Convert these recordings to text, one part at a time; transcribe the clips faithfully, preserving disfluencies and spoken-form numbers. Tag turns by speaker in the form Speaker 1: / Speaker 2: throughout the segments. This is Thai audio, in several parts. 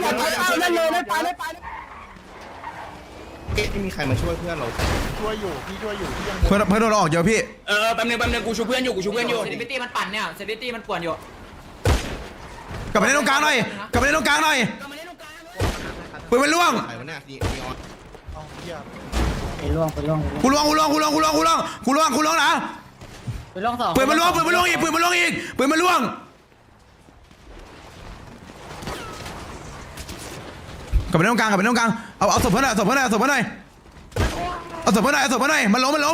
Speaker 1: อย่าเอาเล่นเลยเล่นไปเล่นไป
Speaker 2: ไม่มีใครมาช่วยเพื่อนเรา
Speaker 3: เพื่อนเพื่อนโดนเราออกเยอะพี่
Speaker 4: เออแป๊บนึงแป๊บนึงกูชูเพื่อนอยู่กูชูเพื่อนอยู่
Speaker 5: เซนิฟิตี้มันปั่นเนี่ยเซนิฟิตี้มันป่วนอยู่
Speaker 3: กลับไปเล่นตรงกลางหน่อยกลับไปเล่นตรงกลางหน่อยปืนมันล่วง
Speaker 2: ใครวะเนี่ยดีออน
Speaker 5: ไปล่วงไปล่วง
Speaker 3: กูล่วงกูล่วงกูล่วงกูล่วงกูล่วงกูล่วงกูล่วงนะ
Speaker 5: ไปล่วงสอง
Speaker 3: ปืนมันล่วงปืนมันล่วงอีกปืนมันล่วงอีกปืนมันล่วงกลับไปตรงกลางกลับไปตรงกลางเอาเอาศพเพื่อนหน่อยเอาศพเพื่อนหน่อยเอาศพเพื่อนหน่อยเอาศพเพื่อนหน่อยเอาศพเพื่อนหน่อยมันล้มมันล้ม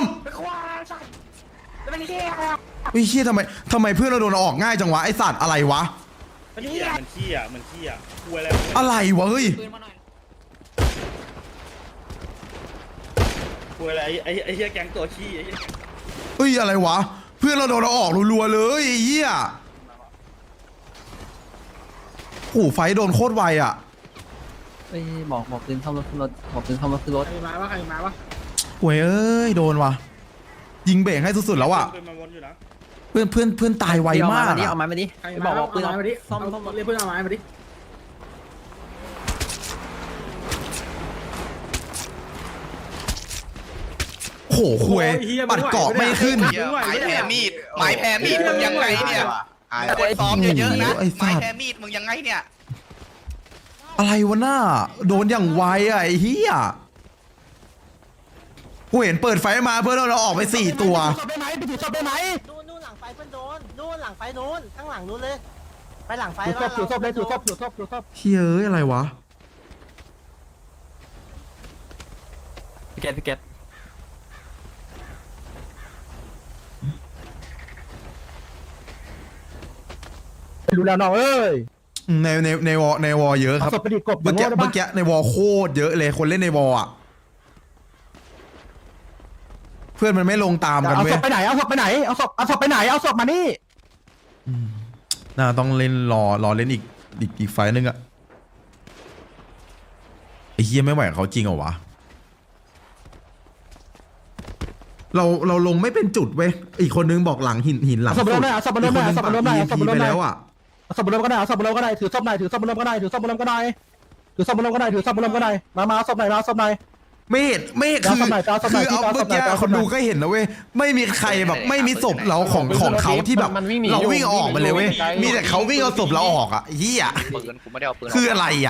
Speaker 3: ไอ้เหี้ยทำไมทำไมเพื่อนเราโดนออกง่ายจังวะไอสัตว์อะไรวะ
Speaker 6: มันขี้อ่ะมันขี้อ่ะมันขี้อ่ะคุยอะไร
Speaker 3: อะไรวะเฮ้ย
Speaker 6: คุยอะไรไอ้ไอ้เหี้ยแก๊งตัวขี้ไอ้เหี้ย
Speaker 3: เฮ้ยอะไรวะเพื่อนเราโดนเราออกรัวๆเลยไอ้เหี้ยโอ้โหไฟโดนโคตรไวอ่ะ
Speaker 5: ไปบอกบอกปืนเข้ารถขึ้นรถบอกปืนเข้ารถขึ้นรถ
Speaker 2: ใครมาวะใครมาวะ
Speaker 3: โว้ยเอ้ยโดนว่ะยิงเบรกให้สุดๆแล้วอ่ะ
Speaker 6: เป็นมันวนอยู่นะ
Speaker 3: เพื่อนเพื่อนเพื่อนตายไวมาก
Speaker 5: เอา
Speaker 3: อะ
Speaker 5: ไม้มาดิ
Speaker 2: ใคร
Speaker 5: บ
Speaker 2: มา
Speaker 5: อกบอกปืน
Speaker 2: เอา
Speaker 5: เอา
Speaker 2: ไม้มาดิ
Speaker 5: ซ่อม
Speaker 2: เอา
Speaker 5: ซ่อม
Speaker 2: เรียกเพื่อนเอาไม้มาดิ
Speaker 3: โอ้โหคุยปัดเกาะไม่ขึ้น
Speaker 1: ไม้แพ้มีดไม้แพ้มีดมึงยังไงเนี่ยคนซ้อมเยอะๆนะไม้แพ้มีดมึงยังไงเนี่ย
Speaker 3: อะไรวะหน้าโดนอย่างไวอะไอ้เหี้ยกูเห็นเปิดไฟมาเพื่อนเราออกไปสี่ตัว
Speaker 1: ศพได้ไหมไปถือศพได้ไหม
Speaker 7: นู่นนู่นหลังไฟเพื่อนโดนนู่นหลังไฟนู้นข้างหลังนู้นเลย ไปหลังไฟ
Speaker 1: ถือศพถือศพเลยถือศพถือศพถือศพ
Speaker 3: เฮ้ยอะไรวะ
Speaker 5: พี่เกตพี่เกต
Speaker 1: ดูแลน้องเอ้ย
Speaker 3: ในในในวอในวอเยอะครับ
Speaker 1: เอาศพไปดิกบ
Speaker 3: เมื่อกี้
Speaker 1: อย่างโง่ได้ปะ
Speaker 3: เมื่อกี้ในวอโคตรเยอะเลยคนเล่นในวออะเพื่อนมันไม่ลงตามกัน
Speaker 1: เอา
Speaker 3: เว้
Speaker 1: ศ
Speaker 3: ย
Speaker 1: พไปไหนเอาศพไปไหนเอาศพเอาศพไปไหนเอาศพมานี่
Speaker 3: น่าต้องเล่นรอรอเล่นอีกอีกอีกไฟล์นึงอะไอ้เฮียไม่ไหวกับเขาจริงเหรอวะเราเราลงไม่เป็นจุดเว้ยอีกคนนึงบอกหลังหินหินหลัง
Speaker 1: เอาศพ
Speaker 3: สุ
Speaker 1: มา
Speaker 3: ด
Speaker 1: เลยเอาศพมาเลย
Speaker 3: อีกคนนึง
Speaker 1: เอาศพ
Speaker 3: ปั
Speaker 1: มาก เลย
Speaker 3: อี
Speaker 1: เอาศพ
Speaker 3: พี
Speaker 1: มาเลย
Speaker 3: ไปแล้วอะ
Speaker 1: เอาศพบนรถก็ได้เอาศพบนรถก็ได้ถือศพหน่อยถือศพบนรถก็ได้ถือศพบนรถก็ได้ถือศพบนรถก็ได้ถือศพบนรถก็ได้มามาเอาศพไหนมาเอาศพไหน
Speaker 3: ไม่เห็นไม่เห็น
Speaker 1: เอา
Speaker 3: คือ
Speaker 1: ศพไหนเอาศพไหน
Speaker 3: คือเอา
Speaker 1: เอาศ
Speaker 3: เมื่อ
Speaker 1: พไหน
Speaker 3: กี้
Speaker 1: เอาศ
Speaker 3: ค
Speaker 1: พ
Speaker 3: น
Speaker 1: ไหน
Speaker 3: ดูก็เห็นนะเว้ยไม่มีใครแบบไม่มีศพเราของของเขาที่แบบเราวิ่งออกมาเลยเว้ยมีแต่เขาวิ่งเอาศพเราออกอะเฮีย
Speaker 1: ปืนกูไม่ได้เอาปืน
Speaker 3: คืออะไรอะ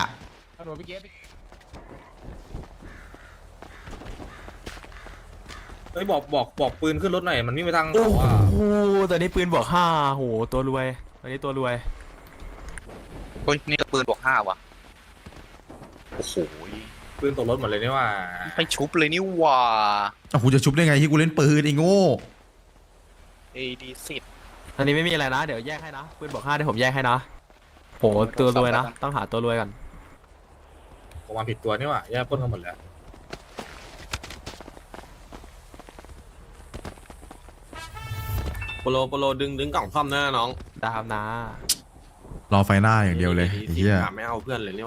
Speaker 6: เฮ้ยบอกบอกบอกปืนขึ้นรถหน่อยมันวิ่งไปทาง
Speaker 5: โอ้โหตอนนี้ปืนบวกห้าโหตัวรวยตอนนี้ตัวรวย
Speaker 1: โอ้ยนี่ปืนบวกห้าว่ะโอ้โห
Speaker 6: ปืนตกรถหมดเลยนี่ว่า
Speaker 1: ไปชุบเลยนี่ว่า
Speaker 3: อ่ะกูจะชุบได้ไงที่กูเล่นปืนไอ้โง่
Speaker 1: เอดีสิบ
Speaker 5: ตอนนี้ไม่มีอะไรนะเดี๋ยวแยกให้นะปืนบวกห้าเดี๋ยวผมแยกให้นะโหตัวรวยนะต้องหาตัวรวยก่อน
Speaker 6: ผมมาผิดตัวนี่ว่าแย่ปล้นกันหมดแล้ว
Speaker 8: โปโลโปโลดึงดึงกล่องซ่อมหน้าน้อง
Speaker 5: ดาวนะ
Speaker 3: รอไฟหน้าอย่างเดียวเลยไอ้เหี้ย
Speaker 8: ไม่เอาเพื่อนเลยเนี่ย